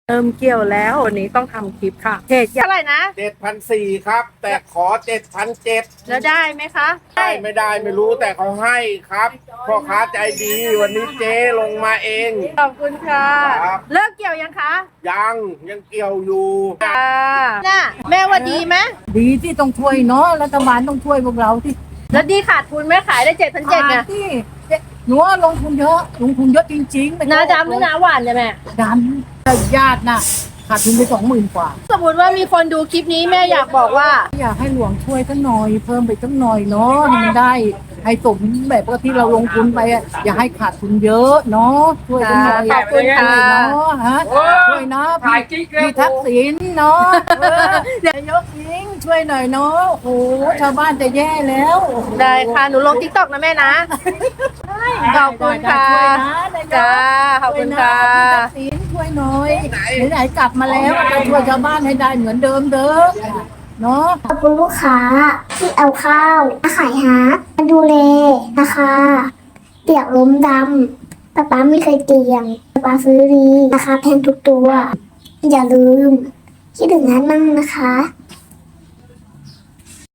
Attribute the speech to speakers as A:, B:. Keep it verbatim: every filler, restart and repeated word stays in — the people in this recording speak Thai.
A: เริ่มเกี่ยวแล้ววันนี้ต้องทำคลิปค่ะเพจเท่าไหร่นะ
B: เจ็ดพันสี่ครับ แต่ขอเจ็ดพันเจ็ด
A: แล้วได้ไหมคะ
B: ได้ไม่ได้ไม่รู้แต่เขาให้ครับพ่อค้าใจดีวันนี้เจ๊ลงมาเอง
A: ขอบคุณค่ะ
B: ครับ
A: เลิกเกี่ยวยังคะ
B: ยังยังเกี่ยวอยู่
A: ค่ะน่ะแม่ว่าดีไหม
C: ดีที่ต้องช่วยเนาะรัฐบาลต้องช่วยพวกเราที่
A: แล้วดีขาดทุนไหมขายได้เจ็ดพันเจ็ดไง
C: ที่หนูว่าลงทุนเยอะลงทุนเยอะจริงๆไม่
A: นาดำหรือนาหวานเนี่ยแม่
C: ดำญาติน่ะขาดทุนไปสองหมื่นกว่า
A: สมมติว่ามีคนดูคลิปนี้แม่อยากบอกว่า
C: อยากให้หลวงช่วยสักหน่อยเพิ่มไปสักหน่อยเนาะให้มันได้ให้สมแบบว่าที่เราลงทุนไปอะอย่าให้ขาดทุนเยอะเนาะช่วยกันหน่อย
A: ขอบคุณค่ะ
C: ช่วยเนาะฮะช่วยนะพี่พี่ทักษิณเนาะเออนายกยิงช่วยหน่อยเนาะโอ้โหชาวบ้านจะแย่แล้วโอ้โห
A: ได้ค่ะหนูลงทิกตอกนะแม่นะขอบคุณค่ะ
C: ช่วยนะนายก
A: จ้าขอบคุณค่ะ
C: พี่ทักษิณช่วยหน่อยไหนๆกลับมาแล้วจะช่วยชาวบ้านให้ได้เหมือนเดิมเด้อเนาะ
D: ขอบคุณลูกค้าที่เอาข้าวมาขายฮาร์ดมาดูแลนะคะเปียกล้มดำป๊าป๊าไม่เคยเตียงป๊าป๊าซื้อดีราคาแพงทุกตัว อย่าลืมคิดถึงฮาร์ดมั่งนะคะ